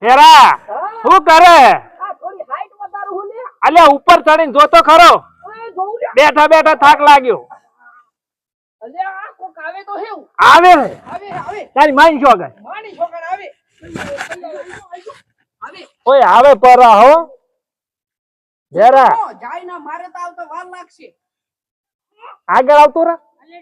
હેરા શું કરે? અલ્યા ઉપર ચડીને જોતો ખરો, બેઠા બેઠા થાક લાગ્યો. આવે તારી માની છો ગઈ ઓય આવે પરા હો હેરા આગળ આવતો રે.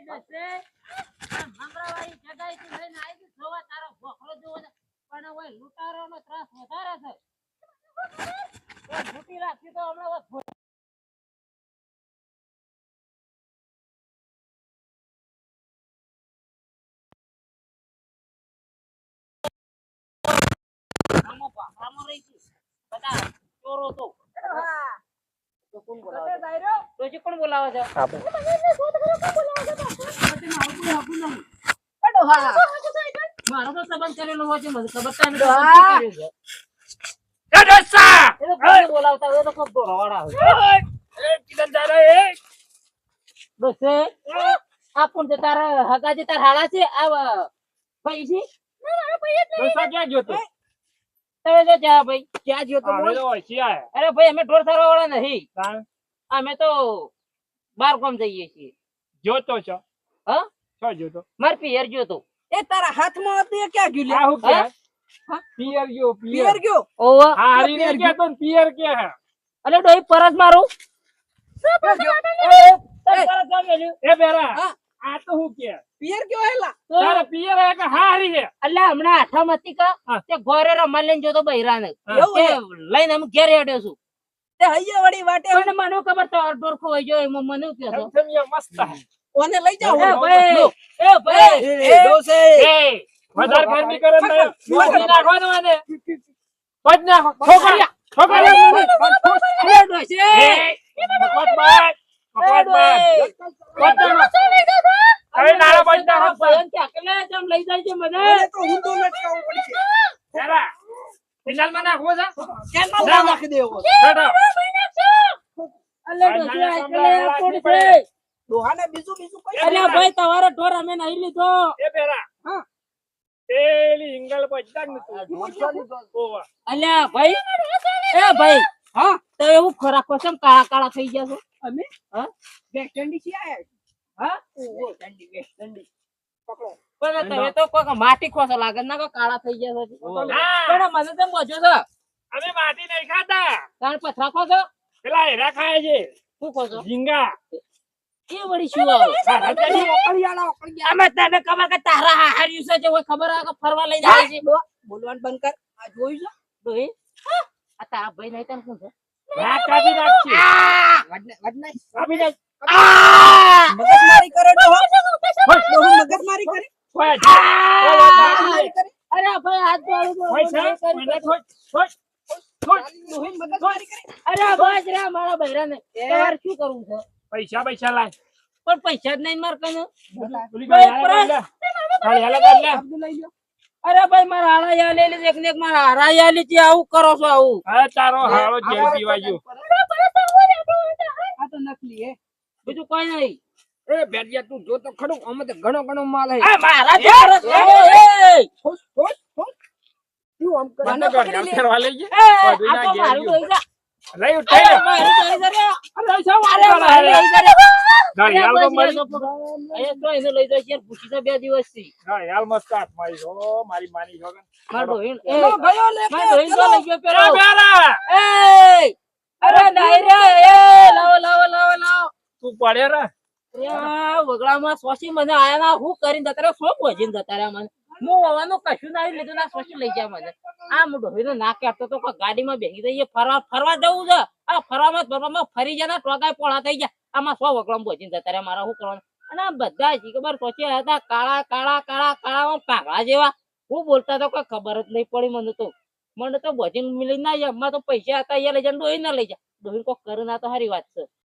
કોણ બોલાવે છે? મારો તો સંબંધ કરેલો હોય છે, મને ખબર છે. બોલાવતા હોય તો ખૂબ દોરવાળા હોય. આ કોણ છે? તારા હગાજી તાર હાડા છે? આ ભાઈ છે? ક્યાં જોતો? તમે જો જા ભાઈ, ક્યાં જોતો? અરે ભાઈ, અમે ઢોર સારવા વાળા નહીં, અમે તો બાર ગામ જઈએ છીએ. જોતો છો? હા, શું જોતો? માર પિયર જોતો. એ તારા હાથમાં હતું એ ક્યાં ગયું લે? આ હું કે પિયર ગયો પિયર ગયો? ઓવા હા હરી ને કે તો પિયર કે હે. અલે ડોઈ પરત મારું. એ બેરા આ તો હું કે પિયર ગયો હેલા? તારે પિયર હે કે હા હરી હે? અલ્યા હમણાં આઠમ હતી કા તે ઘરે રમવા લઈને જોતો બૈરાને લઈને અમે ઘેર હેડ્યો છું. તે હૈયા વળી વાટે પણ મને ખબર તો અડધોર ખોઈ ગયો એમાં મને કે છે સમજ્યા મસ્ત હે. ઓને લઈ જાઓ. એ ભાઈ એ દોસે એ વધારે ગરમી કરે ને પજ નાખવાનો આને પજ નાખો છોકરિયા છોકરિયા અલે ડોસે મફત બાદ અરે નારા પજ નાખો ભયન કે અકેલે જમ લઈ જાય છે મને. તો ઊંધું લટકાવવું પડશે. જરા ફિનાલ માં નાખવો છે કેનમાં નાખી દેવો. છોડો અલે ડોસે અકેલે કોણ છે? દોહાને બીજું બીજું કઈ અલે ભાઈ તમારો ઢોર અમે નહીં લીધો. એ બેરા હા તેલી ઇંગલ પજદાક ને તું ઓવા અલ્યા ભાઈ, એ ભાઈ, હા તો એવું ખોરાક કોસમ કાળા કાળા થઈ ગયા છો અમે હા વેસ્ટ ઇન્ડિઝ થી આયા. હા ઓહો ઠંડી વેસ્ટ ઇન્ડિઝ પકડો. પણ તમે તો કોઈ માટી ખોસો લાગે ના કોઈ કાળા થઈ ગયા છો. હા પણ મને તેમ બોજો છો અમે માટી નહીં ખાતા, તાર પથરા ખો છો પેલા હેરા ખાય છે શું ખો છો? ઝીંગા. એ વળી શું આવે? ઓકળિયાળા ઓકળિયા. અમે તને ખબર કે તારા હાર્યું છે જે કોઈ ખબર આવે કે ફરવા લઈ જાય છે બોલવાનું બંધ કર. આ જોયું છે? ડોહી આ તારા ભાઈ નહીં તને શું છે? રાત કાપી નાખશે વડનાઈ કાપી નાખ મગજમારી કરે તો મગજમારી કરે. કોઈ મગજમારી કરે. અરે ભાઈ હાથ જોડું તો પૈસા મને છોડ છોડ છોડ ડોહીન મગજમારી કરે. અરે બસ રે મારા બૈરાને તાર શું કરવું છે? પૈસા પૈસા લાય પણ પૈસા જ નહીં માર કને. ઓલી ગાડી હાલા કાઢ લે અબ્દુલ લઈ લ્યો. અરે ભાઈ મારા હારા યા લઈ લીધી એક ને એક મારા હારા યા લીધી. આવું કરો છો આવું? હા તારો હારો જેલ પીવાજો. આ તો નકલી હે. બીજું કોઈ નહીં. એ બેડિયા તું જો તો ખડું અમે તો ઘણો ઘણો માલ હે. આ મારા જે ઠોસ ઠોસ ઠોસ. તું આમ કરે. મને ગાડી ફેરવા લઈ એ જાય આ તો મારું દોઈ જા. લઈ ઉઠાઈ અરે મારું દોઈ જા રે. અરે સા અરે મારું દોઈ જા રે. ગાડી હાલ તો મરી એ તો એને લઈ જાય છે પૂછી તો 2 દિવસથી. ગાડી હાલ મસ્ત હાથ મારી ઓ મારી માની જોગન માર દોઈ એ ચલો ગયો લે. માર દોઈ તો લઈ ગયો એ પેલો. બેરા એ અરે નહીં રે. એ લાવો લાવો લાવો લાવો. તું પડે રે અરે વગડામાં સોસી મને આયા ના હું કરીને જતા રે શું ભોજીને જતા રે મને. હું હોવાનું કશું ના લીધું ના સોસી લઈ જાય મને. આ ડોહીને ના કહેતો તો કોઈ ગાડીમાં બેસી જઈએ ફરવા ફરવા જવું છે. આ ફરવામાં ફરી જાય ટોકાય પોળા થઈ ગયા. આમાં સો વગડામાં ભોજીને જતા રે મારા શું કરવાનું? અને આ બધા જ ખબર સોચી હતા કાળા કાળા કાળા કાળા કાગડા જેવા. હું બોલતા તો કોઈ ખબર જ નહીં પડી મને તો. મને તો ભોજીને મિલી ના જાય. એમાં તો પૈસા હતા એ લઈ જાય ડોહી ના લઈ જાય. ડોહી કોઈ કરે ના તો સારી વાત છે.